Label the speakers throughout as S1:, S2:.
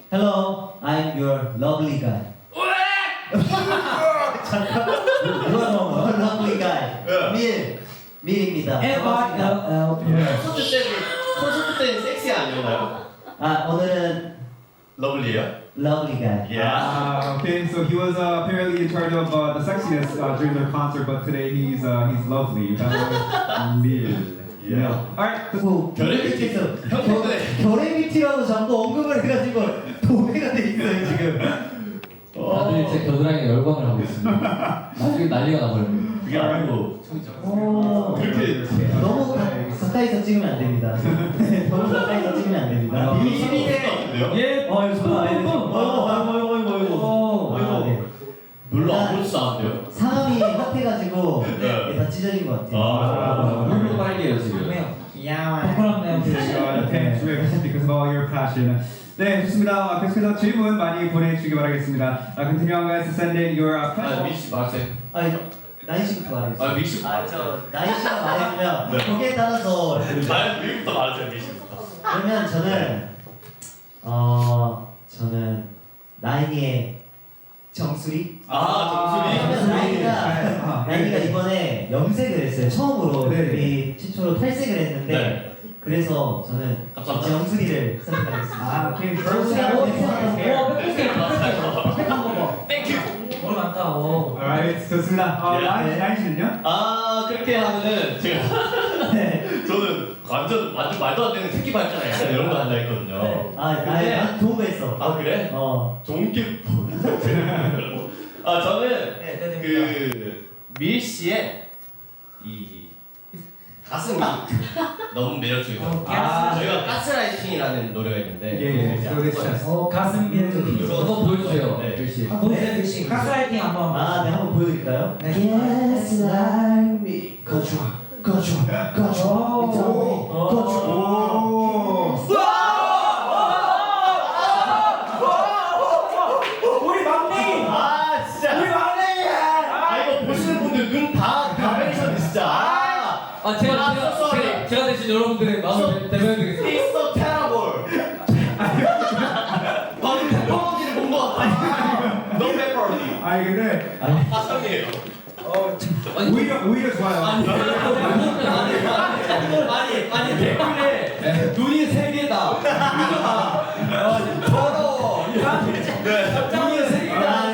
S1: Hello, I'm your lovely guy. 잠깐. 누가 lovely guy? 밀입니다.
S2: 콘서트 때는 섹시 아니었나요?
S1: 아 오늘은
S2: 러블리예요?
S1: lovely guy.
S3: Okay, so he was apparently in charge of the sexiness during their concert, but today he's lovely. That was Mil.
S2: Yeah.
S3: Alright.
S1: 뭐
S2: 결의
S1: BT에서
S2: 형 때문에.
S1: 결의 BT라고 자꾸 언급을 해가지고 도배가 돼 있어요 지금.
S4: 다들 제 겨드랑이에 열광을 하고 있습니다. 나중에 난리가 나버려요.
S2: 그게 아니고 그렇게
S1: 너무 가까이서 찍으면 안 됩니다. 너무 가까이서 찍으면 안 됩니다.
S2: 비밀인데요?
S1: 예, 아이고.
S2: 별로 안 보지도 않은데요?
S1: 상암이 핫해가지고
S2: 네.
S1: 다 찢어진 것 같아요.
S4: 물로 빨개요 지금.
S1: 귀여워요.
S3: Thanks, Rick, because of all your passion. 네, 좋습니다. 계속해서 질문 많이 보내주시기 바라겠습니다. Continue guys to send in your questions.
S2: 미씨 말하세요.
S1: 아니, 나이 씨부터 말해주세요.
S2: 미씨
S1: 저 나이 씨가 말해주면
S2: 네.
S1: 거기에 따라서
S2: 미씨부터 말하세요. 미씨부터.
S1: 그러면 저는 나인이의 정수리.
S2: 정수리.
S1: 나인이가 이번에 염색을 했어요. 처음으로
S3: 네.
S1: 우리 최초로 탈색을 했는데
S2: 네.
S1: 그래서 저는
S2: 감사합니다.
S1: 정수리를 선택하겠습니다.
S3: 오케이.
S1: 정수리
S2: 땡큐.
S1: 뭘 많다.
S3: Alright, 좋습니다. 나이씨는요?
S2: 그렇게 하면은 제가 저는 완전 말도 안 되는 새끼 발전에 이런 거 한다 했거든요.
S1: 난 좋은 거 했어.
S2: 그래? 좋은 게 저는 그 밀씨의 이 가슴이 너무 매력적이에요. 저희가 가스라이팅이라는 노래가 있는데
S3: 예. So this chest.
S1: 가슴
S4: 한번 보여주세요.
S2: 네.
S4: 글씨.
S1: 보여주세요. 가스라이팅 한번. 네, 한번 보여드릴까요? Gaslight me. 거쳐. 우리 막내.
S2: 진짜.
S1: 우리 막내야.
S2: 이거 보시는 분들 눈 다 가베이션 진짜.
S4: 제가 대신 여러분들의 마음을 대변해드리겠습니다.
S2: It's so terrible. 방금 페퍼로니를 본 것 같아. No pepperoni.
S3: 아니 근데
S2: 화성이에요.
S3: 오히려 좋아요.
S2: 아니 댓글에 눈이 세 개다. 더러워. 눈이 세 개다.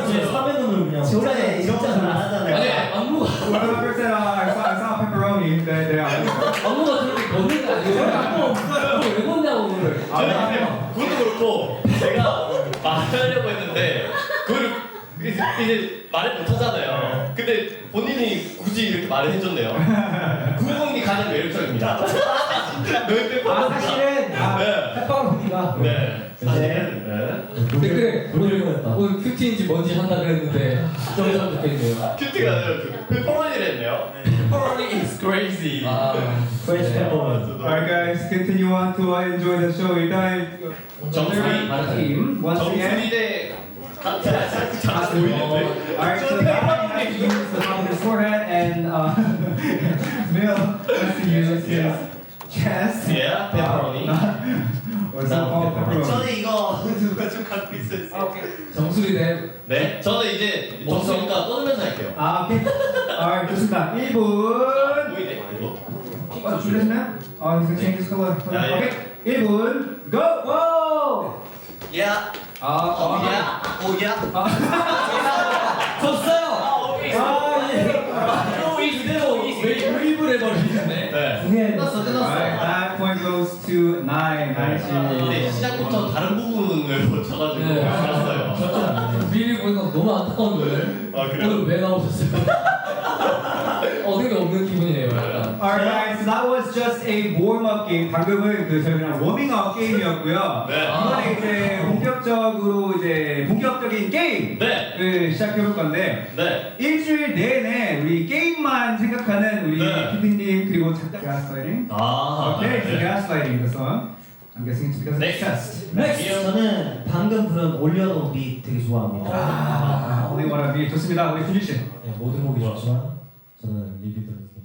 S1: 저번에 진짜 잘 안 하잖아요.
S4: 안무가
S3: When I first said I saw pepperoni, 네.
S4: 안무가 그렇게 걷는 게 아니고 안무 없어요. 왜 걷냐고 그거를.
S2: 그것도 그렇고 제가 말하려고 했는데 그걸 이제 말을 못 하잖아요. 근데 본인이 굳이 이렇게 말을 해줬네요. 그 부분이 가장 매력적입니다.
S1: 사실은 페퍼로니가
S2: 사실은
S4: 댓글에 오늘 큐티인지 뭔지 한다 그랬는데 좀 적혀있네요.
S2: 큐티가 아니라 페퍼로니를 했네요. 페퍼로니 is crazy.
S1: 프레시 페퍼로니.
S3: Alright guys, continue on to enjoy the show. 일단
S2: 정수리
S3: team once again.
S2: 정수리 대 자 보이는데.
S3: Alright, so the has to use the top of his forehead and Mil has to use his chest.
S2: Yeah, pepperoni.
S3: Or so-called pepperoni.
S1: 저는 이거 누가 좀 갖고 있어요.
S4: 정수리 대
S2: 네, 저는 이제 정수리니까 떠들면서 할게요.
S3: 오케이. Alright, 좋습니다. 1분.
S2: 보이네 이거.
S3: 준비됐나요? He's gonna change his color.
S2: Yeah.
S3: Okay, 1분. Go! Whoa!
S2: 야.
S1: 오야.
S4: 졌어요! 이대로 웨이브를 해버리시네.
S2: 네.
S3: Alright, that point goes to 9.
S2: 근데 시작부터 다른 부분을 고쳐가지고
S4: 네.
S2: 알았어요.
S4: 미리 보니까 너무 안타까운 거예요.
S2: 그래요?
S4: 오늘 왜 나오셨어요? 어딘가 없는 기분이에요. 약간.
S3: Alright guys, so that was just a warm-up game. 방금은 저희 그냥 워밍업 게임이었고요.
S2: 네.
S3: 이번에 이제 본격적인 게임을
S2: 네.
S3: 시작해볼 건데
S2: 네.
S3: 일주일 내내 우리 게임만 생각하는 우리
S2: 네.
S3: PD님 그리고 작가 gaslighting. Okay, so
S2: 네.
S3: gaslighting the song. I'm guessing it's because of the test.
S1: 저는 방금 부른 올려놓은 비 되게 좋아합니다.
S3: Only one of you. 좋습니다. 우리 준희 씨.
S1: 모든 곡이 좋지만 저는 리뷰 들었어요.